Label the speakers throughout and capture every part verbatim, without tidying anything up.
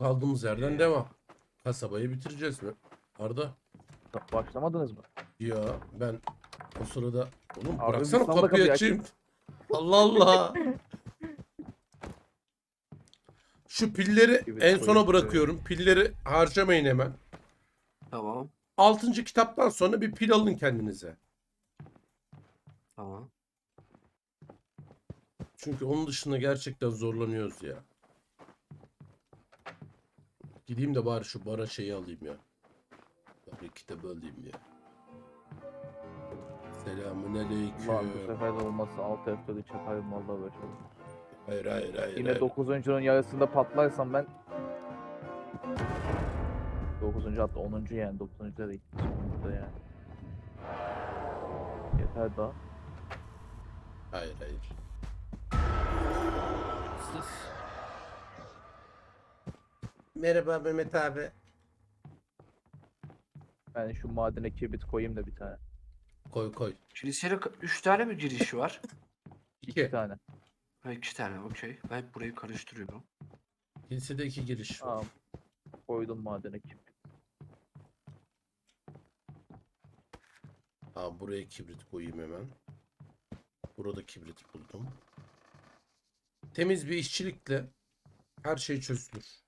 Speaker 1: Kaldığımız yerden
Speaker 2: Ee,
Speaker 1: devam. Kasabayı bitireceğiz mi? Arda.
Speaker 3: Başlamadınız mı?
Speaker 1: Ya ben o sırada... Oğlum
Speaker 3: Abi
Speaker 1: bıraksana
Speaker 3: bir salla
Speaker 1: kapıyı
Speaker 3: kapıyı
Speaker 1: açayım. Allah Allah. Şu pilleri
Speaker 3: Evet,
Speaker 1: en sona
Speaker 3: koyup,
Speaker 1: bırakıyorum. Pilleri harcamayın hemen.
Speaker 2: Tamam.
Speaker 1: Altıncı kitaptan sonra bir pil alın kendinize.
Speaker 2: Tamam.
Speaker 1: Çünkü onun dışında gerçekten zorlanıyoruz ya. Gideyim de bari şu bara şeyi alayım ya. Bari kitabı alayım ya. Selamun
Speaker 3: Lan bu
Speaker 1: aleyküm.
Speaker 3: sefer de olmazsa altı F dört'ü çakarım vallahi böyle.
Speaker 1: Hayır hayır hayır.
Speaker 3: Yine
Speaker 1: hayır.
Speaker 3: dokuzuncunun yarısında patlarsam ben dokuzuncu hatta onuncu yani dokuzuncu da değil. Sonunda yani. Yeter daha.
Speaker 1: Hayır hayır. Merhaba Mehmet abi.
Speaker 3: Ben şu madene kibrit koyayım da bir tane.
Speaker 1: Koy koy.
Speaker 2: Kiliseye üç tane mi girişi var?
Speaker 3: İki
Speaker 1: İki.
Speaker 3: tane.
Speaker 2: Ha iki tane okey. Ben hep burayı karıştırıyorum.
Speaker 1: Kilisede iki giriş var.
Speaker 3: Tamam. Koydum madene kibrit.
Speaker 1: Aa, buraya kibrit koyayım hemen. Burada kibrit buldum. Temiz bir işçilikle her şey çözülür.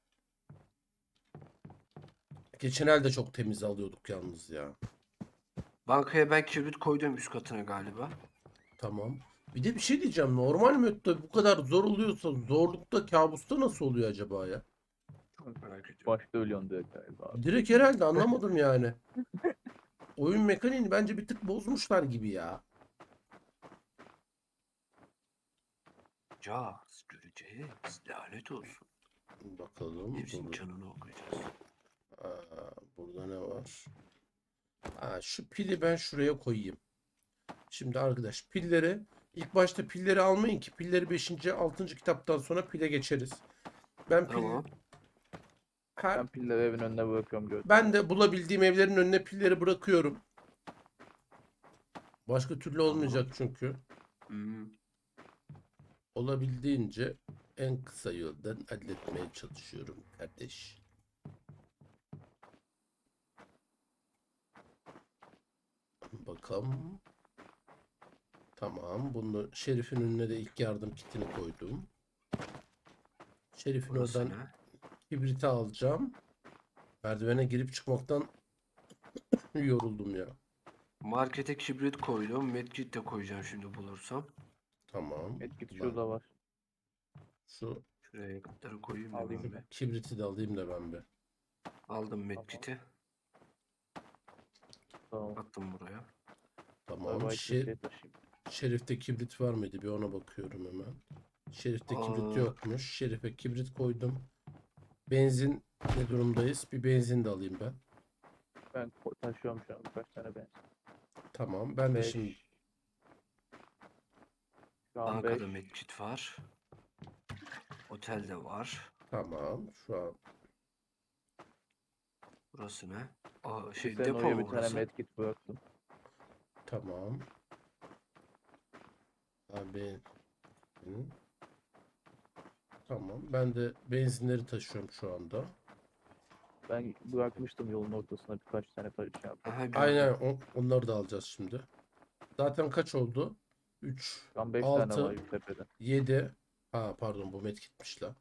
Speaker 1: Geçen el de çok temiz alıyorduk yalnız ya.
Speaker 2: Bankaya ben kibrit koydum üst katına galiba.
Speaker 1: Tamam. Bir de bir şey diyeceğim. Normal modda bu kadar zor oluyorsa zorlukta kabusta nasıl oluyor acaba ya?
Speaker 2: Çok merak ediyorum.
Speaker 3: Başta ölüyorsun direkt galiba.
Speaker 1: Direkt herhalde anlamadım yani. Oyun mekaniğini bence bir tık bozmuşlar gibi ya.
Speaker 2: Caz göreceğiz. Lanet olsun.
Speaker 1: Bakalım.
Speaker 2: Hepsinin
Speaker 1: Dur.
Speaker 2: canını okuyacağız.
Speaker 1: Aa, burada ne var? Aa, şu pili ben şuraya koyayım. Şimdi arkadaş pilleri ilk başta pilleri almayın ki pilleri beşinci. altıncı kitaptan sonra pile geçeriz. Ben pil
Speaker 2: Tamam.
Speaker 1: her
Speaker 3: Ben pilleri evin önüne bırakıyorum gördüm.
Speaker 1: ben de bulabildiğim evlerin önüne pilleri bırakıyorum. Başka türlü olmayacak çünkü.
Speaker 2: Hmm.
Speaker 1: Olabildiğince en kısa yoldan halletmeye çalışıyorum kardeş. Bakalım. Tamam. Bunu Şerif'in önüne de ilk yardım kitini koydum. Şerif'in
Speaker 2: Burası
Speaker 1: oradan
Speaker 2: ne?
Speaker 1: kibriti alacağım. Merdivene girip çıkmaktan yoruldum ya.
Speaker 2: Markete kibrit koydum. Medkit de koyacağım şimdi bulursam.
Speaker 1: Tamam.
Speaker 3: Medkit
Speaker 1: Ulan
Speaker 3: şurada var.
Speaker 1: Şu
Speaker 2: Şuraya yakıtları koyayım da
Speaker 3: Alayım
Speaker 2: ben
Speaker 3: ben.
Speaker 2: bir.
Speaker 1: kibriti de alayım da ben bir.
Speaker 2: Aldım medkiti.
Speaker 3: Tamam.
Speaker 2: Attım buraya.
Speaker 1: Tamam.
Speaker 3: Tamam.
Speaker 1: Şer
Speaker 3: Şey taşıyayım.
Speaker 1: Şerif'te kibrit var mıydı? Bir ona bakıyorum hemen. Şerif'te kibrit
Speaker 2: Aa.
Speaker 1: yokmuş. Şerif'e kibrit koydum. Benzin ne durumdayız? Bir benzin de alayım ben.
Speaker 3: Ben ko- taşıyorum şu an birkaç tane ben.
Speaker 1: Tamam. Ben de
Speaker 3: beş.
Speaker 1: şimdi
Speaker 3: Şu an beş.
Speaker 2: Bankada medkit var. Otelde var.
Speaker 1: tamam. Şu an
Speaker 2: Burası ne? Aa, şey
Speaker 3: Senin
Speaker 2: depo
Speaker 3: oraya
Speaker 2: mu
Speaker 3: bir tane
Speaker 2: burası?
Speaker 3: medkit bıraktım.
Speaker 1: tamam. Abi Hı. Tamam. Ben de benzinleri taşıyorum şu anda.
Speaker 3: Ben bırakmıştım yolun ortasına birkaç tane taşı şey yaptım.
Speaker 2: Aha gördüm.
Speaker 1: Aynen on- onları da alacağız şimdi. Zaten kaç oldu? üç,
Speaker 3: Şu an beş tane var
Speaker 1: altı,
Speaker 3: tepede.
Speaker 1: yedi. Ha pardon bu medkitmiş la.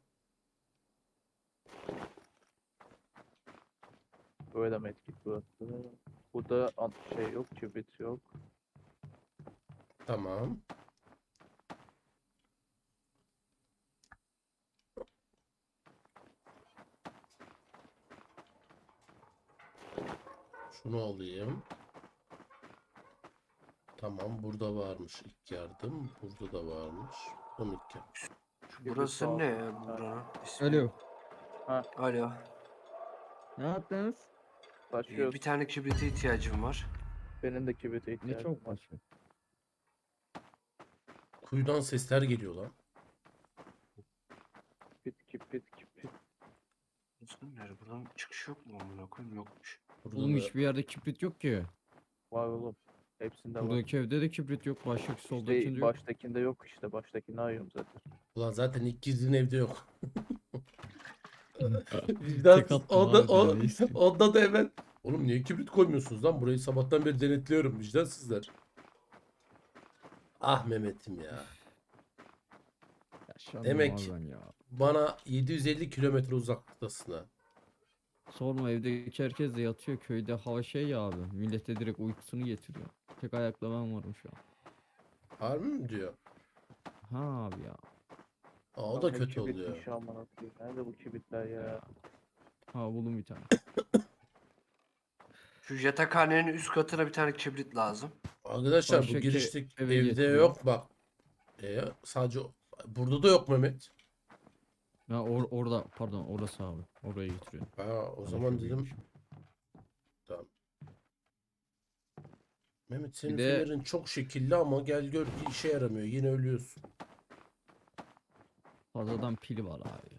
Speaker 3: Böyle medkit bıraktım. Burada an- şey yok, kibrit yok.
Speaker 1: Tamam. Şunu alayım. Tamam burada varmış ilk yardım. Burada da varmış. Son ilk yardım.
Speaker 2: Şu burası
Speaker 3: sağ-
Speaker 2: ne ya buranın ismi?
Speaker 4: Alo.
Speaker 2: Alo.
Speaker 4: Ne yaptınız?
Speaker 2: Ee,
Speaker 3: Taşıyoruz.
Speaker 2: bir tane kibrite ihtiyacım var.
Speaker 3: Benim de kibrite
Speaker 4: Ne
Speaker 3: ihtiyacım
Speaker 4: çok
Speaker 3: var.
Speaker 4: başka.
Speaker 1: Kuyudan sesler geliyor lan.
Speaker 3: Kibrit, kibrit, kibrit.
Speaker 2: Burası nerede? Buradan çıkış yok mu amına koyayım? Yokmuş.
Speaker 1: Burada
Speaker 4: Oğlum
Speaker 1: da-
Speaker 4: hiçbir yerde kibrit yok ki.
Speaker 3: Var oğlum. Hepsinde var.
Speaker 4: Buradaki evde de kibrit yok. Baştaki soldakinde
Speaker 3: İşte
Speaker 4: yok.
Speaker 3: baştakinde yok işte. Baştakini arıyorum zaten.
Speaker 1: Ulan zaten ilk girdiğin evde yok. Vicdansız.
Speaker 4: attım
Speaker 1: Onda,
Speaker 4: abi,
Speaker 1: o,
Speaker 4: daha ne isteyeyim?
Speaker 1: onda da hemen. Oğlum niye kibrit koymuyorsunuz lan? Burayı sabahtan beri denetliyorum. Vicdansızlar. Ah Mehmet'im ya.
Speaker 4: Yaşlandım
Speaker 1: Demek
Speaker 4: abi ben ya.
Speaker 1: bana yedi yüz elli kilometre uzaklıktasın ha.
Speaker 4: Sorma, evdeki herkes de yatıyor, köyde hava şey ya abi. Millete direkt uykusunu getiriyor. Tek ayakla ben varım şu an.
Speaker 1: Harbi mi diyor?
Speaker 4: Ha abi ya.
Speaker 1: Aa, o
Speaker 3: Lan
Speaker 1: da
Speaker 3: hep
Speaker 1: kötü oluyor.
Speaker 3: kibritmiş amına koyayım. Nerede bu kibritler ya?
Speaker 4: Ha buldum bir tane.
Speaker 2: Şu yatakhanenin üst katına bir tane kibrit lazım.
Speaker 1: Arkadaşlar bu
Speaker 4: Baştaki
Speaker 1: girişlik
Speaker 4: eve
Speaker 1: evde
Speaker 4: getiriyor.
Speaker 1: yok bak. Ee, sadece burada da yok Mehmet.
Speaker 4: Ha or orada, pardon, orası abi. Oraya getiriyor.
Speaker 1: Ha, o
Speaker 4: Ben de
Speaker 1: zaman
Speaker 4: çok
Speaker 1: dedim
Speaker 4: iyiymiş.
Speaker 1: tamam. Mehmet senin
Speaker 4: de-
Speaker 1: fenerin çok şekilli ama gel gör ki işe yaramıyor. Yine ölüyorsun.
Speaker 4: Fazladan pili var abi ya.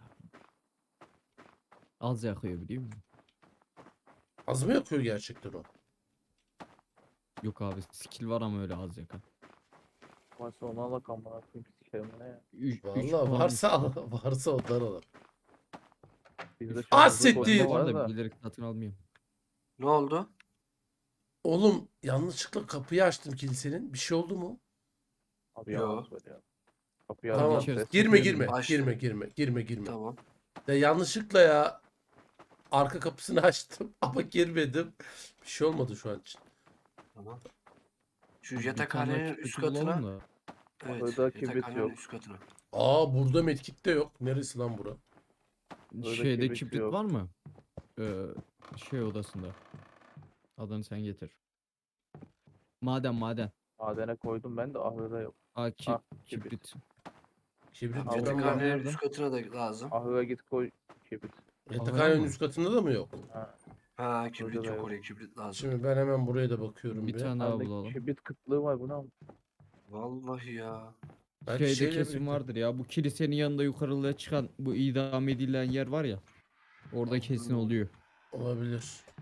Speaker 4: Az yakıyor biliyor musun?
Speaker 1: Az mı yakıyor gerçekten o?
Speaker 4: Yok abi, skill var ama öyle az yakar.
Speaker 3: Varsa onu alak amına koyayım sikerim ne ya.
Speaker 4: Üç, üç
Speaker 1: Vallahi
Speaker 4: puan
Speaker 1: varsa al,
Speaker 4: üstü.
Speaker 1: varsa ondan al.
Speaker 3: Bizde şu
Speaker 1: Ah,
Speaker 3: an hızlı
Speaker 1: siktir!
Speaker 3: koşma
Speaker 4: Bende var
Speaker 3: var
Speaker 4: da
Speaker 3: da.
Speaker 4: bilerek satın almıyorum.
Speaker 2: Ne oldu?
Speaker 1: Oğlum yanlışlıkla kapıyı açtım kilisenin. Bir şey oldu mu?
Speaker 3: Abi
Speaker 2: Yo.
Speaker 3: yalan söylüyor. Kapıyı
Speaker 1: Tamam.
Speaker 3: alacağım
Speaker 4: İçerisi
Speaker 3: ses.
Speaker 1: Girme
Speaker 4: girme,
Speaker 1: girme.
Speaker 2: Açtım.
Speaker 1: Girme girme. Girme girme.
Speaker 2: Tamam.
Speaker 1: Ya yanlışlıkla ya arka kapısını açtım ama girmedim. Bir şey olmadı şu an için.
Speaker 2: Tamam. Şu
Speaker 4: Bir tane
Speaker 2: yatakhanenin
Speaker 4: kibriti
Speaker 2: üst
Speaker 4: bulalım
Speaker 2: katına.
Speaker 4: da.
Speaker 2: Evet.
Speaker 3: Ahırda kibrit
Speaker 2: Yatakhanenin
Speaker 3: yok.
Speaker 2: üst katına.
Speaker 1: Aa burada medkit de yok. Neresi lan bura?
Speaker 3: Öyle
Speaker 4: Şeyde
Speaker 3: kibrit
Speaker 4: kibrit
Speaker 3: yok.
Speaker 4: var mı? Ee, şey odasında. Adını sen getir. Maden maden.
Speaker 3: Madene koydum ben de ahırda yok.
Speaker 4: Aa ki,
Speaker 3: Ah, kibrit.
Speaker 4: kibrit.
Speaker 1: Kibrit
Speaker 3: Tamam.
Speaker 1: buradan var.
Speaker 2: Yatakhanenin
Speaker 4: Nerede?
Speaker 2: üst katına da lazım.
Speaker 3: Ahıra git koy kibrit.
Speaker 1: Yatakhanenin
Speaker 4: mı?
Speaker 1: üst katında da mı yok?
Speaker 3: Ha.
Speaker 2: Ha kibrit
Speaker 3: Burada da
Speaker 2: yok,
Speaker 3: yok.
Speaker 2: oraya kibrit lazım.
Speaker 1: Şimdi ben hemen buraya da bakıyorum
Speaker 4: Bir
Speaker 1: bir.
Speaker 4: tane daha
Speaker 3: Bende
Speaker 4: bulalım.
Speaker 3: kibrit kıtlığı var buna mı?
Speaker 2: Vallahi ya.
Speaker 1: Belki
Speaker 4: Şeyde
Speaker 1: şeyle
Speaker 4: kesin
Speaker 1: birlikte.
Speaker 4: vardır ya. Bu kilisenin yanında yukarıya çıkan bu idam edilen yer var ya. Orada kesin
Speaker 2: Hmm.
Speaker 4: oluyor.
Speaker 1: Olabilir.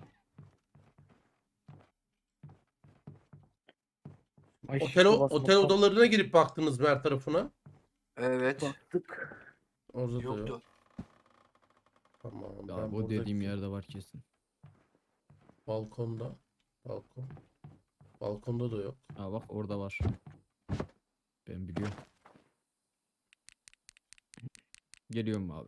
Speaker 3: Ay,
Speaker 1: Otel,
Speaker 3: şişe
Speaker 1: otel
Speaker 3: basmaktan
Speaker 1: odalarına girip baktınız mı her tarafına?
Speaker 2: Evet.
Speaker 3: baktık.
Speaker 1: Orada da yok.
Speaker 2: Yoktu.
Speaker 1: Tamam.
Speaker 4: Ya
Speaker 1: Ben
Speaker 4: bu dediğim
Speaker 1: buradaki
Speaker 4: yerde var kesin.
Speaker 1: balkonda. Balkon. Balkonda da yok.
Speaker 4: Aa bak orada var. Ben biliyorum. Geliyorum abi.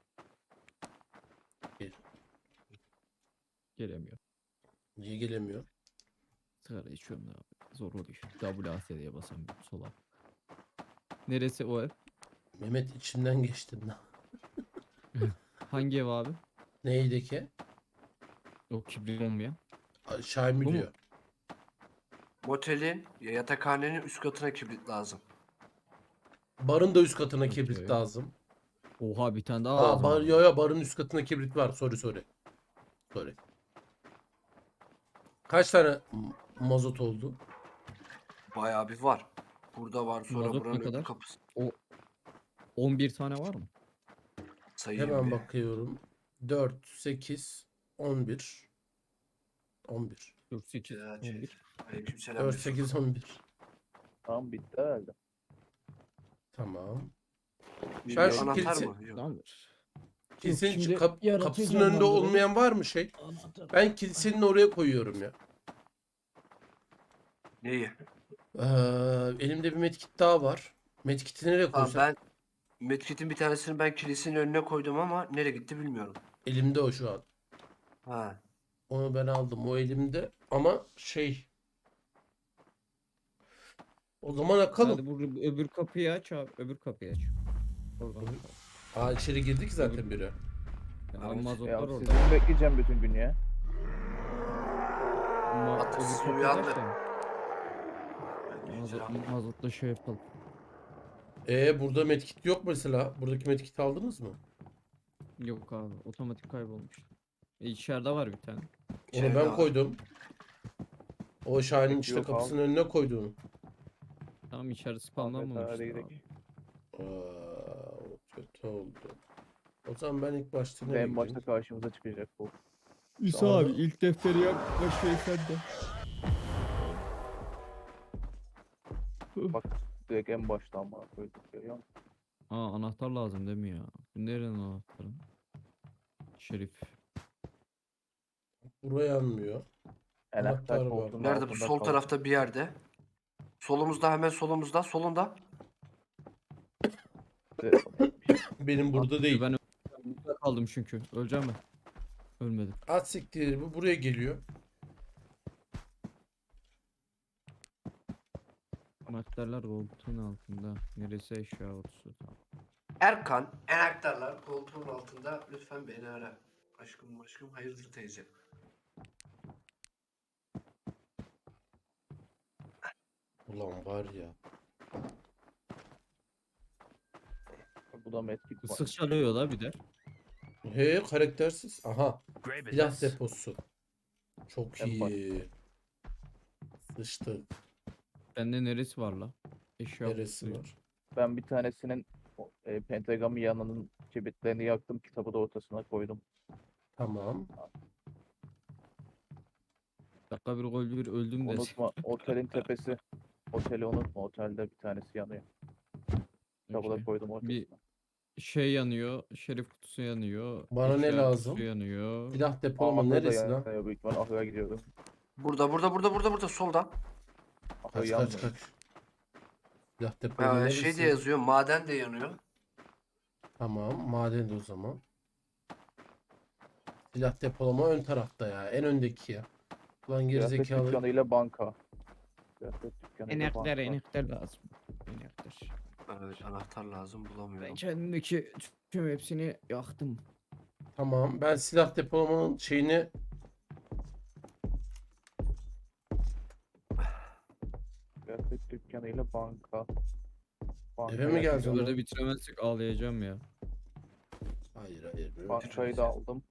Speaker 1: Gel.
Speaker 4: Gelemiyor.
Speaker 1: Niye gelemiyor?
Speaker 4: Sigara içiyorum da abi. Zor oluyor. W A S D'ye basamıyorum sola. Neresi o ev?
Speaker 1: Mehmet içinden geçtin lan.
Speaker 4: Hangi ev abi?
Speaker 1: Neydi ki?
Speaker 4: O kibrit olmayan.
Speaker 1: Ay, Şahin mi
Speaker 4: Bu mu?
Speaker 1: diyor?
Speaker 2: Motelin ya yatakhanenin üst katına kibrit lazım.
Speaker 1: Barın da üst katına
Speaker 4: Okey.
Speaker 1: kibrit lazım.
Speaker 4: Oha bir tane daha
Speaker 1: Aa
Speaker 4: lazım.
Speaker 1: bar,
Speaker 4: abi.
Speaker 1: yo yo barın üst katına kibrit var. Sorry sorry. Sorry. Kaç tane m- mazot oldu?
Speaker 2: Bayağı bir var. Burada var, sonra
Speaker 4: Mazot ne
Speaker 2: buranın öbür
Speaker 4: kadar?
Speaker 2: kapısı.
Speaker 4: on bir tane var mı?
Speaker 2: Sayayım
Speaker 1: Hemen
Speaker 2: bir.
Speaker 1: bakıyorum. dört, sekiz, on bir. on bir.
Speaker 4: dört, sekiz,
Speaker 2: Güzel,
Speaker 4: on
Speaker 2: şey.
Speaker 4: bir.
Speaker 2: Aleykümselam
Speaker 1: dört,
Speaker 2: Yusuf.
Speaker 1: sekiz, on bir.
Speaker 3: Tamam bitti herhalde.
Speaker 1: Tamam.
Speaker 3: Bir
Speaker 1: Ben
Speaker 3: yol-
Speaker 1: şu
Speaker 2: Anahtar
Speaker 1: kilise-
Speaker 2: mı? Yok.
Speaker 4: Tamamdır.
Speaker 1: Kilisenin
Speaker 4: şimdi
Speaker 1: kap-
Speaker 4: yaratacağım
Speaker 1: kapısının
Speaker 4: ben
Speaker 1: önünde
Speaker 4: burayı.
Speaker 1: olmayan var mı şey? Ben kilisenin oraya koyuyorum ya.
Speaker 2: Neyi?
Speaker 1: Ee, elimde bir medkit daha var. Medkit'i nereye
Speaker 2: Tamam,
Speaker 1: koysam?
Speaker 2: ben medkit'in bir tanesini ben kilisenin önüne koydum ama nereye gitti bilmiyorum.
Speaker 1: Elimde o şu an.
Speaker 2: Ha.
Speaker 1: Onu ben aldım. O elimde. Ama şey. O zaman akalım.
Speaker 4: Hadi bu öbür kapıyı aç abi. Öbür kapıyı aç. Oradan.
Speaker 1: Aa içeri girdik zaten biri.
Speaker 4: Ya,
Speaker 2: Evet.
Speaker 4: mazotlar
Speaker 3: Ya
Speaker 4: orada.
Speaker 3: sizi mi bekleyeceğim bütün gün ya?
Speaker 4: Ma
Speaker 2: Atın
Speaker 4: öbür
Speaker 2: sizi
Speaker 4: kapıyı aç
Speaker 2: uyandı.
Speaker 4: da.
Speaker 2: Aleykümselam.
Speaker 4: Mazot, mazotla şey yapalım.
Speaker 1: Ee burada medkit yok mesela. Buradaki medkiti aldınız mı?
Speaker 4: Yok abi, otomatik kaybolmuş. E, içeride var bir tane.
Speaker 1: Onu
Speaker 2: İçeride
Speaker 1: ben
Speaker 2: var.
Speaker 1: koydum. O Şahin'in işte
Speaker 3: Yok, al.
Speaker 1: kapısının önüne koyduğunu.
Speaker 4: Tamam, içeride
Speaker 3: Ahmet
Speaker 4: spamlanmamış.
Speaker 3: hadi
Speaker 4: abi.
Speaker 3: gidelim.
Speaker 1: Aa, o kötü oldu. O zaman ben ilk başta
Speaker 3: Ve
Speaker 1: nereye
Speaker 3: en başta
Speaker 1: gideyim?
Speaker 3: karşımıza çıkacak bu.
Speaker 4: İsa
Speaker 1: Daha
Speaker 4: abi
Speaker 1: da-
Speaker 4: ilk defteri yak, başlayı sen de.
Speaker 3: Bak direkt en başta ama koyduk görüyor musun?
Speaker 4: Aa anahtar lazım değil mi ya? Bu nerenin anahtarı? Şerif.
Speaker 1: Buraya yanmıyor. Anahtar
Speaker 3: Anahtar
Speaker 1: var.
Speaker 3: koltuğunun
Speaker 2: Nerede bu?
Speaker 3: altında
Speaker 2: Sol
Speaker 3: kaldı.
Speaker 2: tarafta bir yerde. Solumuzda, hemen solumuzda. Solunda.
Speaker 1: Benim burada
Speaker 4: Abi
Speaker 1: değil.
Speaker 4: Ben burada kaldım çünkü. Öleceğim ben. Ölmedim.
Speaker 1: At siktir, bu buraya geliyor.
Speaker 4: Anahtarlar koltuğun altında. Neresi eşya kutusu? Tamam.
Speaker 2: Erkan, enaktarlar koltuğun altında. Lütfen beni ara. Aşkım aşkım hayırdır teyze.
Speaker 1: Ulan var ya.
Speaker 3: Bu da medkit var.
Speaker 4: Isık çalıyor da bir de.
Speaker 1: He, karaktersiz. Aha.
Speaker 5: Great
Speaker 1: Silah
Speaker 5: business.
Speaker 1: deposu. Çok
Speaker 3: En baş.
Speaker 1: iyi. Sıçtık.
Speaker 4: Bende neresi var la? Eşya
Speaker 1: Neresi
Speaker 4: kutusu.
Speaker 1: var?
Speaker 3: Ben bir tanesinin o, e, pentagramı yanının kibritlerini yaktım. Kitabı da ortasına koydum.
Speaker 1: Tamam.
Speaker 4: Dakika bir gol bir öldüm de.
Speaker 3: Unutma otelin tepesi. Oteli unutma. Otelde bir tanesi yanıyor. Kitabı da
Speaker 4: Okey.
Speaker 3: koydum ortasına.
Speaker 4: Bir şey yanıyor. Şerif kutusu yanıyor.
Speaker 1: Bana ne
Speaker 4: eşya
Speaker 1: lazım?
Speaker 4: kutusu yanıyor.
Speaker 1: Silah depolama
Speaker 3: Ahırda
Speaker 1: neresi lan?
Speaker 3: yanıyor büyük ihtimal. Ahıra gidiyorum.
Speaker 2: Burada burada burada burada burada solda.
Speaker 3: Ahır
Speaker 1: Kaç
Speaker 3: yanmıyor.
Speaker 1: kaç kaç. Silah depolama
Speaker 2: Ee,
Speaker 1: neresi?
Speaker 2: şey de yazıyor. Maden de yanıyor.
Speaker 1: Tamam. Maden de o zaman. Silah depolama ön tarafta ya. En öndeki ya. Ulan
Speaker 3: Kıyafet
Speaker 1: gerizekalı.
Speaker 3: dükkanıyla banka. Kıyafet dükkanıyla
Speaker 4: Enekler
Speaker 3: banka.
Speaker 4: enekler lazım. Enekler.
Speaker 2: Evet, anahtar lazım
Speaker 4: Ben
Speaker 2: bulamıyorum.
Speaker 4: kendimdeki tüm hepsini yaktım.
Speaker 1: Tamam. Ben silah depolamanın şeyini
Speaker 3: Kıyafet dükkanıyla banka. Banka
Speaker 1: Eve mi
Speaker 3: yakın.
Speaker 1: geldin?
Speaker 4: Böyle bitiremezsek ağlayacağım ya.
Speaker 1: Hayır hayır. böyle
Speaker 3: Bankayı da aldım.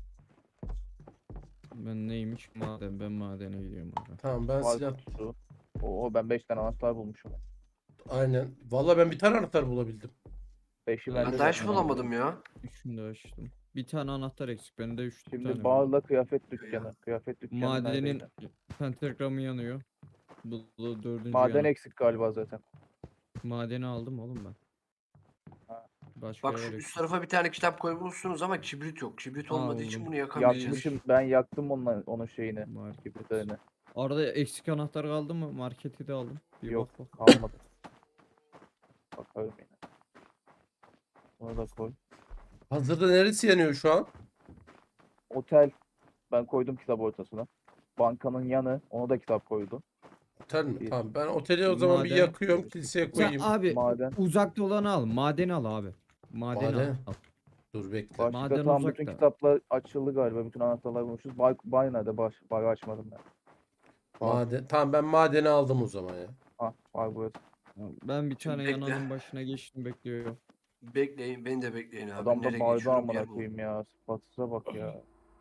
Speaker 4: Ben neymiş? Maden. Ben madene gidiyorum abi.
Speaker 1: Tamam ben
Speaker 3: Var
Speaker 1: silah
Speaker 3: kutusu. Oo ben beş tane anahtar bulmuşum.
Speaker 1: aynen. Vallahi ben bir tane anahtar bulabildim.
Speaker 3: beşi
Speaker 4: Ben
Speaker 3: bende
Speaker 2: Ben daha hiç
Speaker 3: zaten.
Speaker 2: bulamadım ya.
Speaker 4: Üçünü de açtım. Bir tane anahtar eksik. Bende üç tane
Speaker 3: Şimdi
Speaker 4: var.
Speaker 3: bağla kıyafet dükkanı. Kıyafet dükkanı
Speaker 4: Madenin
Speaker 3: neredeydi?
Speaker 4: pentagramı yanıyor. Bu, bu dördüncü
Speaker 3: Maden
Speaker 4: yanı.
Speaker 3: eksik galiba zaten.
Speaker 4: Madeni aldım oğlum ben.
Speaker 3: Ha.
Speaker 4: Başka
Speaker 2: Bak şu
Speaker 4: yer
Speaker 2: üst
Speaker 4: eksik.
Speaker 2: tarafa bir tane kitap koymuşsunuz ama kibrit yok. Kibrit olmadığı için
Speaker 4: buldum.
Speaker 2: bunu yakamayacağız.
Speaker 3: Yakmışım ben yaktım onun, onun şeyini.
Speaker 4: Market.
Speaker 3: Kibritlerini.
Speaker 4: Arada eksik anahtar kaldı mı? Marketi de aldım. Bir
Speaker 3: Yok
Speaker 4: bak bak.
Speaker 3: kalmadı. Bakalım yine. Onu da koy.
Speaker 1: Hazırda neresi yanıyor şu an?
Speaker 3: Otel. Ben koydum kitap ortasına. Bankanın yanı. Ona da kitap koydum.
Speaker 1: Otel mi?
Speaker 3: Bir-
Speaker 1: Tamam ben oteli o zaman bir
Speaker 4: Maden-
Speaker 1: yakıyorum. Kiliseye
Speaker 4: Sen
Speaker 1: koyayım.
Speaker 4: abi
Speaker 3: Maden.
Speaker 4: uzakta olanı al. Madeni al abi. Madeni
Speaker 1: Maden.
Speaker 4: al.
Speaker 1: Dur bekle.
Speaker 3: Başka
Speaker 4: Maden
Speaker 3: tam bütün
Speaker 4: uzakta.
Speaker 3: kitaplar açıldı galiba. Bütün anahtarlar bulmuşuz. Bay, bay nerede? Baş, bayı açmadım ben.
Speaker 1: Maden. Tamam ben madeni aldım o zaman ya.
Speaker 3: Ah bay burası.
Speaker 4: Ben bir
Speaker 2: Şimdi
Speaker 4: tane
Speaker 2: bekle.
Speaker 4: yananın başına geçtim bekliyorum.
Speaker 2: Bekleyin, beni de bekleyin abi.
Speaker 3: Adam da
Speaker 2: Nereye
Speaker 3: bayda
Speaker 2: geçiyorum
Speaker 3: amına
Speaker 2: yer bulun.
Speaker 3: koyayım ya. Sıfatsıza bak ya.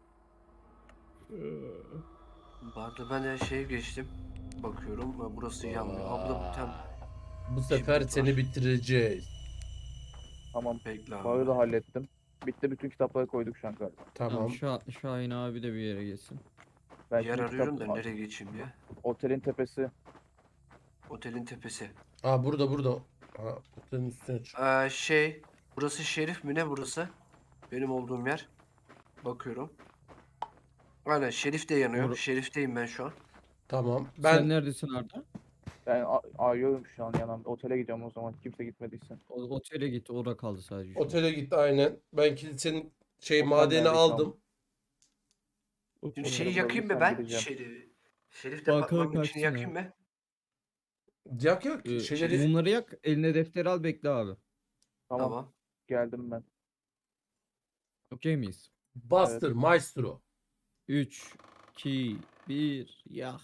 Speaker 2: Bu arada ben de şeye geçtim. Bakıyorum. ha, Burası yanmıyor. Abla tam
Speaker 1: Bu sefer
Speaker 2: Kibrit
Speaker 1: seni
Speaker 2: var.
Speaker 1: bitireceğiz.
Speaker 3: Tamam.
Speaker 2: bekle abi.
Speaker 3: Bayı da hallettim. Bitti bütün kitapları koyduk şu an galiba.
Speaker 4: Tamam.
Speaker 1: Tamam.
Speaker 4: Şah, Şahin abi de bir yere geçsin.
Speaker 3: Ben
Speaker 2: Yer
Speaker 3: şimdi
Speaker 2: arıyorum
Speaker 3: kitap-
Speaker 2: da nereye geçeyim diye.
Speaker 3: Otelin tepesi.
Speaker 2: Otelin tepesi.
Speaker 1: Aa burada burada. Ha, otelin üstüne çık.
Speaker 2: Ee, şey, burası Şerif mi ne burası? Benim olduğum yer. Bakıyorum. Aynen Şerif de yanıyor.
Speaker 4: Or-
Speaker 2: Şerif'teyim ben şu an.
Speaker 1: Tamam.
Speaker 4: Sen
Speaker 1: Ben
Speaker 4: neredesin Arda?
Speaker 3: Ben a- arıyorum şu an yanımda. Otele gidiyorum o zaman. Kimse gitmediyse.
Speaker 4: O, otele git. Orada kaldı sadece. şu an.
Speaker 1: otele gitti aynen. Ben kilisenin şey
Speaker 3: Otel
Speaker 1: madeni
Speaker 3: nerede şu an?
Speaker 1: aldım.
Speaker 2: Şimdi
Speaker 3: Onları
Speaker 2: şeyi yakayım mı
Speaker 3: bulabilirsem
Speaker 2: ben?
Speaker 3: gideceğim.
Speaker 2: Şerif. Şerif
Speaker 4: Bankaya
Speaker 2: departmanın içini
Speaker 4: kaçsın
Speaker 2: yakayım
Speaker 4: ya.
Speaker 2: mı?
Speaker 1: Yak yak.
Speaker 4: Ee,
Speaker 1: Şeyleri
Speaker 4: Mumları yak. Eline defter al bekle abi.
Speaker 3: Tamam,
Speaker 2: Tamam.
Speaker 3: geldim ben.
Speaker 4: Okey miyiz?
Speaker 1: bastır maestro.
Speaker 4: üç, iki, bir, yak.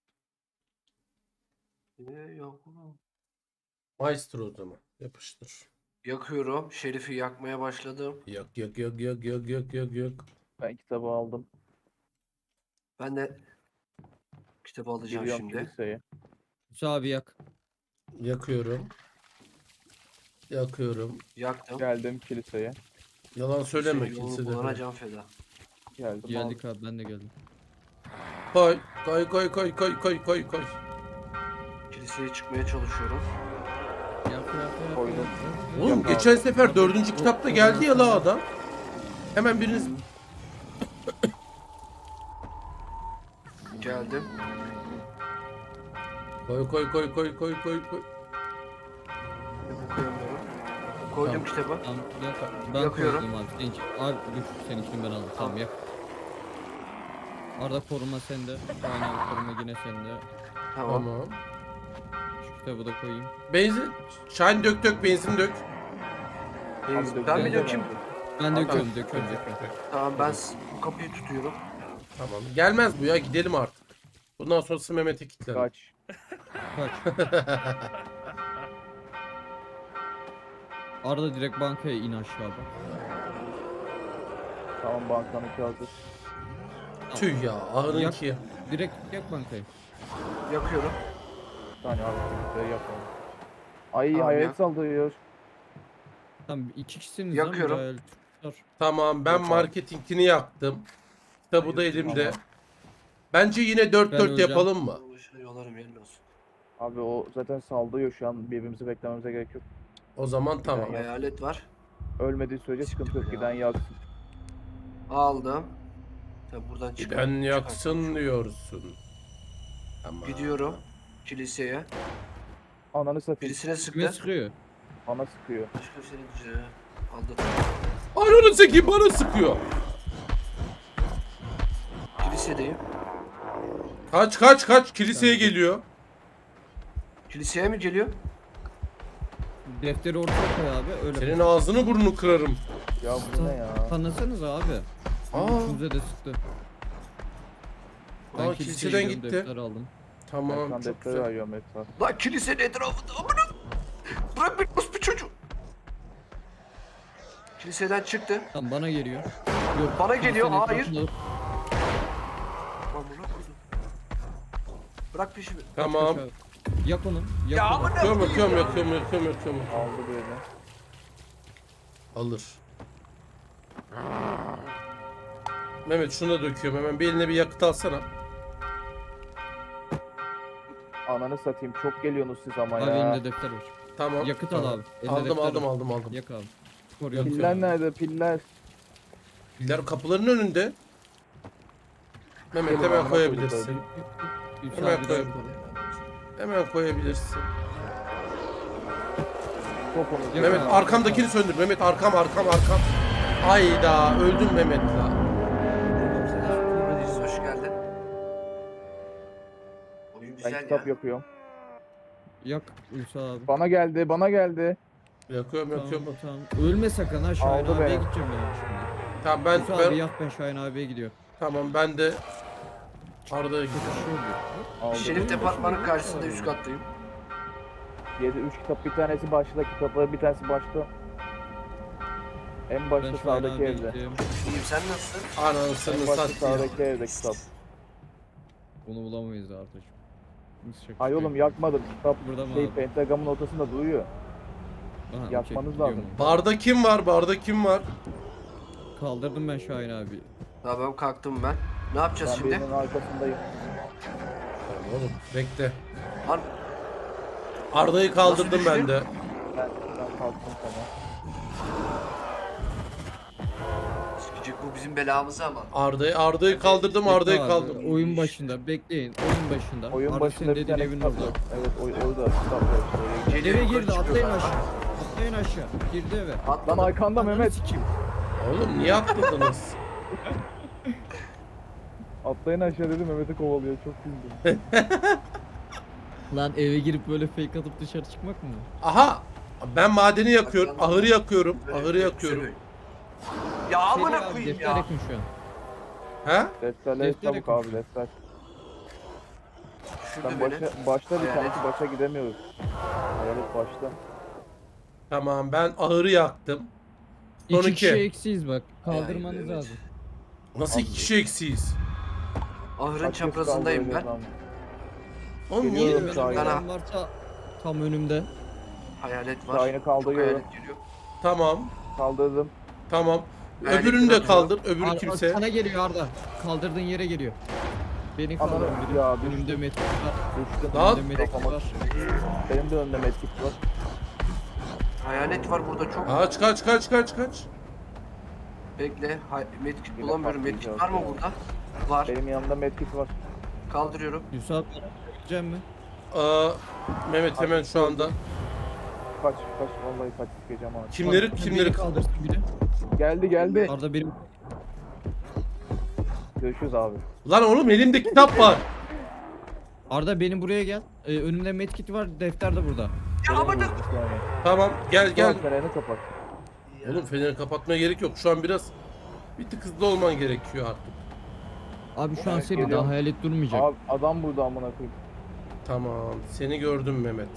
Speaker 2: Ee, yok.
Speaker 1: Maestro o zaman. Yapıştır.
Speaker 2: Yakıyorum. Şerif'i yakmaya başladım.
Speaker 1: Yak yak yak yak yak yak yak yak.
Speaker 3: Ben kitabı aldım.
Speaker 2: Ben de kitabı alacağım
Speaker 3: Giriyorum
Speaker 2: şimdi.
Speaker 3: kiliseye.
Speaker 4: Musa abi yak.
Speaker 1: Yakıyorum. Yakıyorum.
Speaker 2: Yaktım.
Speaker 3: Geldim kiliseye.
Speaker 1: Yalan söyleme
Speaker 2: Senin yolunu
Speaker 1: kilisede.
Speaker 2: bulana
Speaker 1: falan.
Speaker 2: can feda.
Speaker 3: Geldim.
Speaker 4: Geldik abi ben de geldim.
Speaker 1: Koy. Koy koy koy koy koy koy koy.
Speaker 2: Kiliseye çıkmaya çalışıyorum.
Speaker 4: Yak yak yak.
Speaker 3: Koydum.
Speaker 4: yak, yak.
Speaker 1: Oğlum
Speaker 3: Yok
Speaker 1: geçen
Speaker 3: abi.
Speaker 1: sefer dördüncü kitapta geldi ya la adam. Hemen biriniz
Speaker 2: Geldim.
Speaker 1: Koy koy koy koy koy koy koy.
Speaker 2: Kitabı koyamıyorum. Koydum
Speaker 1: Tamam.
Speaker 2: kitabı.
Speaker 4: Tamam, yak. Ben
Speaker 2: Yakıyorum.
Speaker 4: koydum abi. Senin için. Abi dur, senin için ben aldım. Tamam,
Speaker 2: Tamam.
Speaker 4: yak. Arda koruma sende. Şahin abi koruma yine sende.
Speaker 2: Tamam.
Speaker 1: Tamam.
Speaker 4: Şu kitabı da koyayım.
Speaker 1: Benzin. Şahin dök dök benzin dök.
Speaker 2: Benzin-
Speaker 3: Abi
Speaker 2: Ben mi
Speaker 3: dökeceğim
Speaker 2: dökeyim?
Speaker 3: ben.
Speaker 4: Ben
Speaker 1: Tamam.
Speaker 4: döküyorum, döküyorum, döküyorum.
Speaker 2: Tamam ben s- bu kapıyı tutuyorum.
Speaker 1: Tamam. Gelmez bu ya, gidelim artık. Bundan sonrası Mehmet'e kilitlendi.
Speaker 3: Kaç.
Speaker 4: Kaç. Arda direkt bankaya in aşağıda.
Speaker 3: Tamam bankanınki hazır.
Speaker 1: Tüh ya, ahırınki.
Speaker 4: Direkt yak bankayı.
Speaker 2: Yakıyorum.
Speaker 3: Bir saniye abi. Şurayı yapalım. Ay
Speaker 2: Tamam,
Speaker 3: hayalet
Speaker 2: yak.
Speaker 3: saldırıyor.
Speaker 4: Tamam, iki kişisiniz
Speaker 2: Yakıyorum.
Speaker 4: lan. Müdahale tutar.
Speaker 1: Tamam, ben
Speaker 3: Yapalım.
Speaker 1: marketingini yaktım. Kitabı da elimde.
Speaker 3: Tamam.
Speaker 1: Bence yine dört
Speaker 4: Ben
Speaker 1: dört
Speaker 4: öleceğim.
Speaker 1: yapalım mı?
Speaker 2: Yolarım yerine olsun.
Speaker 3: Abi o zaten saldırıyor şu an. Birbirimizi beklememize gerek yok.
Speaker 1: O zaman tamam.
Speaker 3: Ya.
Speaker 2: Hayalet var.
Speaker 3: Ölmediği sürece sıkıntı yok.
Speaker 2: Ya.
Speaker 3: Giden yaksın.
Speaker 2: Aldım. Tabii buradan çıkar.
Speaker 1: Ben yaksın diyorsun. Tamam.
Speaker 2: Gidiyorum kiliseye.
Speaker 3: Ananı satayım.
Speaker 2: Birisine
Speaker 4: Kime
Speaker 2: sıktı.
Speaker 4: sıkıyor?
Speaker 3: Bana sıkıyor.
Speaker 2: Başka bir şey aldı.
Speaker 1: Ananı zeki bana sıkıyor.
Speaker 2: Kilisedeyim.
Speaker 1: Kaç kaç kaç, kiliseye geliyor.
Speaker 2: Kiliseye mi geliyor?
Speaker 4: Defteri ortaya koy abi. Öyle.
Speaker 1: Senin ağzını burnunu kırarım.
Speaker 3: Ya bu ne ya?
Speaker 4: Tanısanız abi.
Speaker 1: Aa.
Speaker 4: Üçünüze de sıktı.
Speaker 1: Aa,
Speaker 4: Ben
Speaker 1: kiliseden
Speaker 4: kiliseye gidiyorum,
Speaker 1: gitti.
Speaker 4: defter aldım.
Speaker 1: Tamam,
Speaker 3: Ekran
Speaker 1: çok
Speaker 3: defteri
Speaker 1: güzel.
Speaker 3: arıyorum etraf.
Speaker 2: Lan kilisenin etrafında amına. Bırak beni bir çocuğu. Kiliseden çıktı.
Speaker 4: Tamam, bana geliyor. Yok,
Speaker 2: Bana geliyor,
Speaker 4: kilisenin
Speaker 2: hayır.
Speaker 4: etrafında-
Speaker 2: Amına koydum. Bırak peşimi.
Speaker 1: Tamam.
Speaker 4: Kaç abi. Yak onu. Yak
Speaker 2: Ya
Speaker 4: onu.
Speaker 2: amına
Speaker 1: Yakıyorum
Speaker 2: koyayım
Speaker 1: yakıyorum
Speaker 2: ya.
Speaker 1: yakıyorum yakıyorum yakıyorum.
Speaker 3: Aldı birini.
Speaker 1: Alır. Mehmet şunu da döküyorum hemen, bir eline bir yakıt alsana.
Speaker 3: Ananı satayım. Çok geliyorsunuz siz ama
Speaker 4: Abi
Speaker 3: ya.
Speaker 4: elimde defter var.
Speaker 1: Tamam.
Speaker 4: Yakıt al
Speaker 1: tamam.
Speaker 4: abi. Elinde
Speaker 1: Aldım
Speaker 4: defter
Speaker 1: aldım
Speaker 4: var.
Speaker 1: aldım aldım.
Speaker 4: Yak abi. Koruyorum.
Speaker 1: Yakıyorum.
Speaker 3: Piller nerede? Piller.
Speaker 1: Piller kapıların önünde. Mehmet
Speaker 3: Gelin
Speaker 1: hemen
Speaker 3: amına
Speaker 1: koyabilirsin.
Speaker 3: koyduklarım.
Speaker 4: Üç
Speaker 1: Hemen
Speaker 4: abi de
Speaker 1: koy.
Speaker 4: yak.
Speaker 1: Hemen koyabilirsin.
Speaker 3: Topunuz.
Speaker 4: Yak
Speaker 1: Mehmet
Speaker 4: abi,
Speaker 1: arkamdakini
Speaker 4: yak
Speaker 1: söndür. Mehmet arkam arkam arkam. Ayda öldüm Mehmet la.
Speaker 2: Aziz, hoş geldin. Oyun
Speaker 3: Ben
Speaker 2: güzel
Speaker 3: kitap
Speaker 2: ya.
Speaker 3: yapıyorum.
Speaker 4: abi. Yak Ülsa abi.
Speaker 3: Bana geldi. Bana geldi.
Speaker 1: Yakıyorum
Speaker 4: Tamam,
Speaker 1: yakıyorum.
Speaker 4: tamam. Ölme sakın ha, Şahin
Speaker 3: Aldı
Speaker 4: abiye
Speaker 3: be.
Speaker 4: gideceğim ben şimdi.
Speaker 1: Tamam ben,
Speaker 4: Ülsa abi
Speaker 1: ben
Speaker 4: yak, ben Şahin abiye gidiyor.
Speaker 1: tamam ben de Arda'ya
Speaker 4: Kötü
Speaker 1: gidiyorum.
Speaker 4: şey oluyor.
Speaker 3: Aldı.
Speaker 2: Şerif departmanın karşısında üst kattayım.
Speaker 3: yedi üç kitap. Bir tanesi başta kitapları. Bir tanesi başta. En
Speaker 4: Ben
Speaker 3: başta
Speaker 4: Şahin
Speaker 3: sağdaki
Speaker 4: abiye
Speaker 3: evde.
Speaker 4: gidiyorum.
Speaker 2: İyiyim sen nasılsın?
Speaker 1: Anasını
Speaker 3: En başta
Speaker 1: satayım.
Speaker 3: sağdaki evde kitap.
Speaker 4: Bunu bulamayız artık. Biz çakıştık.
Speaker 3: Ay oğlum yakmadım. Kitap
Speaker 4: Burada mı
Speaker 3: şey
Speaker 4: abi?
Speaker 3: pentagramın ortasında duruyor.
Speaker 4: Aha, okey,
Speaker 3: yakmanız
Speaker 4: gidiyorum
Speaker 3: lazım.
Speaker 4: ben.
Speaker 1: Barda kim var? Barda kim var?
Speaker 4: Kaldırdım ben Şahin abi.
Speaker 2: Tamam kalktım ben. Ne yapacağız
Speaker 3: Ben
Speaker 2: şimdi?
Speaker 3: birinin arkasındayım.
Speaker 1: Tamam oğlum bekle.
Speaker 2: Lan
Speaker 1: Arda'yı kaldırdım
Speaker 2: Nasıl
Speaker 1: ben de.
Speaker 3: Ben, ben kalktım sana.
Speaker 2: sikecek bu bizim belamızı ama.
Speaker 1: Arda'yı Arda'yı kaldırdım,
Speaker 4: Bekle
Speaker 1: Arda'yı
Speaker 4: abi,
Speaker 1: kaldırdım.
Speaker 4: Oyun başında bekleyin. Oyun başında.
Speaker 3: Oyun
Speaker 4: Arda
Speaker 3: başında
Speaker 4: senin
Speaker 3: bir
Speaker 4: dediğin
Speaker 3: tane
Speaker 4: evin
Speaker 3: kitap
Speaker 4: orada.
Speaker 3: yok. Evet oy, orada kitap var işte. oraya
Speaker 2: Geliyor,
Speaker 4: Eve
Speaker 2: yukarı
Speaker 4: girdi,
Speaker 2: çıkıyor
Speaker 4: atlayın
Speaker 2: galiba.
Speaker 4: aşağı. Atlayın aşağı. Girdi eve.
Speaker 3: Lan
Speaker 2: Atladım.
Speaker 3: arkanda
Speaker 4: Ananı
Speaker 3: Mehmet.
Speaker 4: sikeyim.
Speaker 1: Oğlum niye atladınız?
Speaker 3: Atlayın aşağı dedi Mehmet'i kovalıyor. Çok güldüm.
Speaker 4: Lan eve girip böyle fake atıp dışarı çıkmak mı?
Speaker 1: Aha! Ben madeni yakıyorum,
Speaker 2: Bak,
Speaker 1: ahırı yakıyorum,
Speaker 2: Böyle
Speaker 1: ahırı
Speaker 2: bir
Speaker 1: yakıyorum.
Speaker 2: sürü. Ya
Speaker 4: Seri
Speaker 2: amına
Speaker 4: abi,
Speaker 2: koyayım
Speaker 4: defter
Speaker 2: ya.
Speaker 4: yakın şu an.
Speaker 1: He?
Speaker 3: Defterleri
Speaker 4: Deftere
Speaker 3: çabuk
Speaker 4: konuş.
Speaker 3: abi defter.
Speaker 2: Şurada
Speaker 3: Ben
Speaker 2: beni.
Speaker 3: başa, başta bir
Speaker 2: Hayalet.
Speaker 3: tanesi başa gidemiyoruz. Hayalet başta.
Speaker 1: Tamam ben ahırı yaktım. Son
Speaker 4: İki kişi
Speaker 1: iki.
Speaker 4: eksiyiz bak. Kaldırmanız
Speaker 2: evet.
Speaker 4: lazım.
Speaker 1: Nasıl iki kişi eksiyiz?
Speaker 2: Ahırın
Speaker 3: Kaç kez
Speaker 2: çaprazındayım ben.
Speaker 3: kaldıracağız lan?
Speaker 1: Oğlum niye?
Speaker 3: Geliyorum.
Speaker 4: Benim
Speaker 3: Şahin.
Speaker 4: adam varsa tam önümde.
Speaker 2: Hayalet var.
Speaker 3: Şahin'i
Speaker 2: Çok
Speaker 3: kaldırıyorum.
Speaker 2: hayalet geliyor.
Speaker 1: Tamam,
Speaker 3: Kaldırdım.
Speaker 1: tamam.
Speaker 2: Hayalet
Speaker 1: Öbürünü de
Speaker 2: bırakıyorum.
Speaker 1: kaldır, öbürü
Speaker 4: Ar-
Speaker 1: kimse.
Speaker 4: Sana geliyor Arda. Kaldırdığın yere geliyor. Beni
Speaker 3: Ananı
Speaker 4: kaldır.
Speaker 3: ya düştüm.
Speaker 4: Önümde metik var.
Speaker 3: Düştüm.
Speaker 1: Lan!
Speaker 4: Önümde metik
Speaker 3: Kafama
Speaker 4: var.
Speaker 3: Benim de önümde medkit var.
Speaker 2: Hayalet var burada çok.
Speaker 1: Kaç kaç kaç kaç kaç.
Speaker 2: Bekle. Hay medkit
Speaker 3: Yine
Speaker 2: bulamıyorum. Medkit
Speaker 3: patlayacağız
Speaker 2: var mı
Speaker 3: ya.
Speaker 2: burada? Var.
Speaker 3: Benim yanımda medkit var.
Speaker 2: Kaldırıyorum.
Speaker 4: Yusuf abi gideceğim mi?
Speaker 1: Aa, Mehmet hemen şu anda.
Speaker 3: Kaç kaç vallahi kaç sikeceğim abi.
Speaker 1: Kimleri
Speaker 4: Bak,
Speaker 1: kimleri
Speaker 4: beni kaldırsın biri.
Speaker 3: Geldi geldi.
Speaker 4: Arda benim
Speaker 3: Görüşürüz abi.
Speaker 1: Lan oğlum elimde kitap var.
Speaker 4: Arda benim buraya gel. Ee, önümde medkit var, defter de burada.
Speaker 2: Ya ama da.
Speaker 3: Bir saniye.
Speaker 1: Tamam gel
Speaker 3: Gel.
Speaker 1: gel.
Speaker 3: Fenerini kapat.
Speaker 1: Oğlum feneri kapatmaya gerek yok. Şu an biraz bir tık hızlı olman gerekiyor artık.
Speaker 4: Abi şu an
Speaker 3: Evet,
Speaker 4: seni
Speaker 3: geliyorum.
Speaker 4: daha hayalet durmayacak.
Speaker 3: Abi adam burada amına koyayım.
Speaker 1: Tamam. Seni gördüm Mehmet.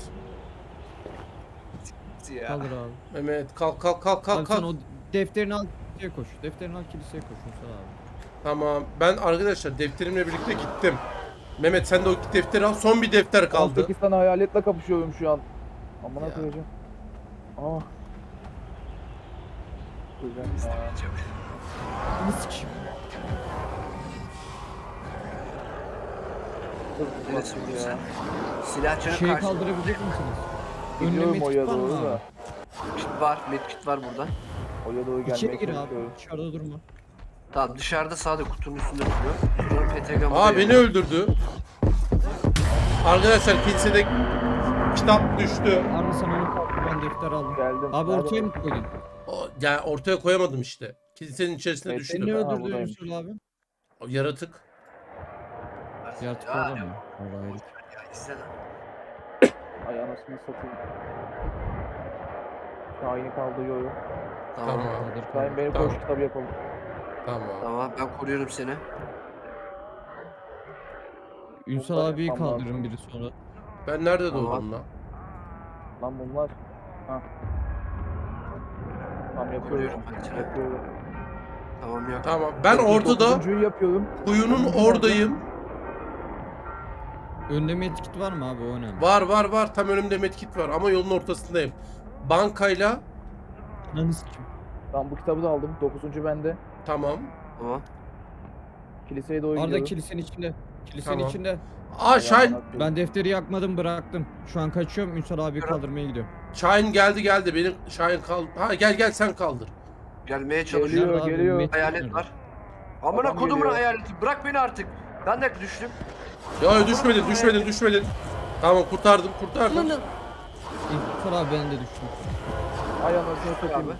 Speaker 2: Ya.
Speaker 4: Kaldır abi.
Speaker 1: Mehmet kalk kalk kalk kalk
Speaker 4: Abi sen
Speaker 1: kalk.
Speaker 4: o defterini al kiliseye koş. Defterini al kiliseye koş Musa abi.
Speaker 1: Tamam. Ben arkadaşlar defterimle birlikte gittim. Mehmet sen de o defteri al. Son bir defter kaldı.
Speaker 3: on sekiz tane hayaletle kapışıyorum şu an. Amına
Speaker 1: Ya.
Speaker 3: koyacağım. Aa. Güzel. Aa.
Speaker 4: Bunu sikeyim.
Speaker 3: Hızlı
Speaker 2: Neresi
Speaker 3: bak
Speaker 2: burası?
Speaker 3: ya.
Speaker 2: Silahçının
Speaker 4: Şeyi
Speaker 2: karşısında
Speaker 4: kaldırabilecek misiniz? Önüne
Speaker 3: Gidiyorum
Speaker 4: medkit
Speaker 3: oya
Speaker 4: var mı
Speaker 3: doğru
Speaker 4: abi?
Speaker 3: da.
Speaker 2: medkit var. Medkit var burada.
Speaker 3: Oya doğru gelmeye
Speaker 4: İçeri gir abi.
Speaker 3: çalışıyorum.
Speaker 4: Dışarıda durma.
Speaker 2: Tamam dışarıda sağda kutunun üstünde duruyor. Şuranın P T G'mı
Speaker 1: Aa beni öldürdü. Arkadaşlar kilisede kitap düştü.
Speaker 4: Arda sen onu kaldır, ben defter aldım.
Speaker 3: Geldim.
Speaker 4: Abi
Speaker 3: Nerede?
Speaker 4: ortaya mı koydun?
Speaker 1: O, yani ortaya koyamadım işte. Kilisenin içerisine
Speaker 3: Evet,
Speaker 1: düştü.
Speaker 4: Seni ne
Speaker 3: Ha,
Speaker 4: öldürdü
Speaker 3: buradaymış.
Speaker 4: Yusuf abi?
Speaker 1: O yaratık.
Speaker 4: Yaratık
Speaker 2: Ya,
Speaker 4: orada mı? Vallahi herif.
Speaker 2: ya izle lan.
Speaker 3: Ay anasını satayım. Şahin'i kaldırıyorum.
Speaker 2: Tamam.
Speaker 1: Tamam.
Speaker 4: Kaldır,
Speaker 3: Şahin
Speaker 4: kaldır.
Speaker 3: beni
Speaker 1: Tamam.
Speaker 3: koş kitabı yapalım.
Speaker 1: Tamam.
Speaker 2: Tamam ben koruyorum seni.
Speaker 4: Ünsal
Speaker 3: Bunlar
Speaker 4: abiyi
Speaker 3: yapmam
Speaker 4: kaldırın biri sonra.
Speaker 1: Ben nerede
Speaker 2: Tamam.
Speaker 1: doğdum lan?
Speaker 3: Lan bunlar. Ha. Tamam yapıyorum.
Speaker 2: Koruyorum ben seni.
Speaker 3: Yapıyorum.
Speaker 2: Tamam yok.
Speaker 1: Tamam. Ben ortada
Speaker 3: Dokuzuncuyu yapıyorum.
Speaker 1: kuyunun oradayım.
Speaker 4: Önde medkit var mı abi, o önemli.
Speaker 1: Var var var. Tam önümde medkit var ama yolun ortasındayım. Bankayla
Speaker 4: Ananı sikeyim.
Speaker 3: Tamam bu kitabı da aldım. Dokuzuncu bende.
Speaker 1: tamam.
Speaker 2: Tamam.
Speaker 3: Kiliseye doğru
Speaker 4: Arda
Speaker 3: gidiyorum.
Speaker 4: kilisenin içinde. Kilisenin
Speaker 1: Tamam.
Speaker 4: içinde.
Speaker 1: Aa Şahin.
Speaker 4: Ben defteri yakmadım, bıraktım. Şu an kaçıyorum, Ünsal abi kaldırmaya gidiyorum.
Speaker 1: Şahin geldi geldi. Benim Şahin kal. Ha gel gel sen kaldır.
Speaker 2: Gelmeye çalışıyorum.
Speaker 3: Geliyor,
Speaker 4: Nerede abi?
Speaker 3: geliyor.
Speaker 4: Medkit
Speaker 2: Hayalet
Speaker 4: nerede?
Speaker 2: var. Amına
Speaker 3: Adam
Speaker 2: kodumun
Speaker 3: geliyor.
Speaker 2: hayaleti. Bırak beni artık. Ben de düştüm.
Speaker 1: Ya düşmedin düşmedin düşmedin. Tamam kurtardım kurtardım.
Speaker 4: Ünsal abi ben de düştüm.
Speaker 3: Ay anasını
Speaker 2: Abi.
Speaker 3: satayım.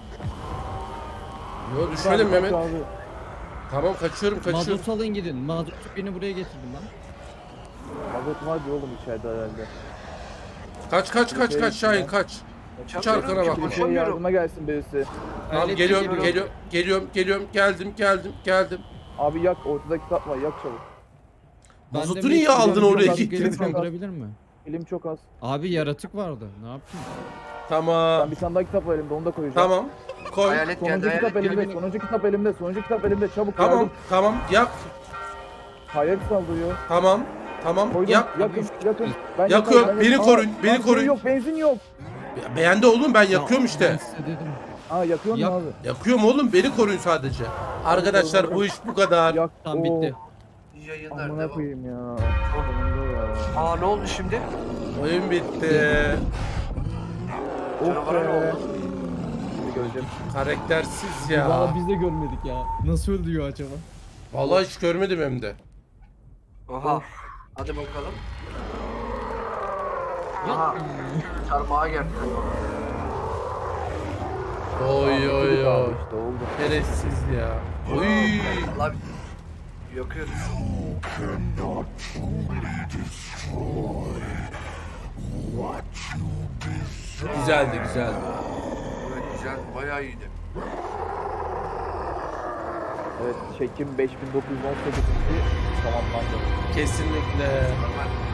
Speaker 1: Yo düşmedim
Speaker 3: Abi,
Speaker 1: Mehmet.
Speaker 3: abi.
Speaker 1: Tamam kaçıyorum kaçıyorum.
Speaker 4: Mazot alın gidin. Mazot beni buraya getirdim lan.
Speaker 3: Mazot var diyor oğlum içeride herhalde.
Speaker 1: Kaç kaç kaç kaç Şahin kaç. Hiç arkana bakma.
Speaker 3: Kiliseye
Speaker 2: Koşamıyorum.
Speaker 3: yardıma gelsin birisi.
Speaker 1: Tamam
Speaker 4: Hayalet
Speaker 1: geliyorum
Speaker 4: geliyor.
Speaker 1: geliyorum geliyorum geliyorum geldim geldim geldim.
Speaker 3: Abi yak ortada kitap var yak çabuk.
Speaker 4: Ben de
Speaker 1: Mazotu
Speaker 4: medkit
Speaker 1: niye aldın
Speaker 4: aldım,
Speaker 1: oraya
Speaker 4: biraz gelip
Speaker 1: getirdin?
Speaker 4: kaldırabilir mi?
Speaker 3: Elim çok az.
Speaker 4: Abi yaratık vardı. Ne yapayım?
Speaker 1: Tamam
Speaker 3: Ben bir tane daha kitap var elimde onu da koyacağım.
Speaker 1: tamam koy.
Speaker 2: Hayalet geldi.
Speaker 3: Sonuncu
Speaker 2: Hayalet
Speaker 3: kitap elimde,
Speaker 2: geldi.
Speaker 3: sonuncu kitap elimde, sonuncu kitap elimde. Çabuk
Speaker 1: Tamam
Speaker 3: yardım.
Speaker 1: tamam yak.
Speaker 3: Hayalet saldırıyor.
Speaker 1: Tamam tamam
Speaker 3: Koydum.
Speaker 1: yak.
Speaker 3: Yakın, yakın. Ben
Speaker 1: Yakıyorum,
Speaker 3: yakarım, ben
Speaker 1: beni
Speaker 3: yakarım.
Speaker 1: koruyun,
Speaker 3: Aa,
Speaker 1: beni
Speaker 3: benzin
Speaker 1: koruyun.
Speaker 3: yok, benzin yok.
Speaker 1: Beğendi oğlum ben
Speaker 4: Ya,
Speaker 1: yakıyorum
Speaker 4: Ben
Speaker 1: işte.
Speaker 4: size dedim.
Speaker 3: Aa yakıyorsun
Speaker 4: Yak.
Speaker 3: mu abi?
Speaker 1: Yakıyorum oğlum beni koruyun sadece. Arkadaşlar bu iş bu kadar.
Speaker 3: Yak.
Speaker 4: Tamam
Speaker 3: Oo,
Speaker 4: bitti.
Speaker 2: İyi yayınlar.
Speaker 3: Amına
Speaker 2: Devam.
Speaker 3: koyayım ya. Sonunda ya.
Speaker 2: Aa ne oldu şimdi?
Speaker 1: Oyun bitti.
Speaker 3: Of
Speaker 2: Canavara ne
Speaker 3: be.
Speaker 2: oldu?
Speaker 3: Şimdi göreceğim.
Speaker 1: Karaktersiz ya.
Speaker 4: Valla biz de görmedik ya. Nasıl öldürüyor acaba?
Speaker 1: Vallahi hiç görmedim hem de.
Speaker 2: Aha. Hadi bakalım. Aha. Çarmıha geldi.
Speaker 1: Oy oy
Speaker 3: Çocuk abi
Speaker 1: oy.
Speaker 3: işte oldu.
Speaker 1: Şerefsiz ya. Oy.
Speaker 2: Allah yakıyoruz.
Speaker 1: Güzeldi güzeldi.
Speaker 2: Evet güzel. Bayağı iyiydi.
Speaker 3: Evet çekim beş bin dokuz yüz on sekiz tamamlandı.
Speaker 1: Kesinlikle.
Speaker 2: Normal.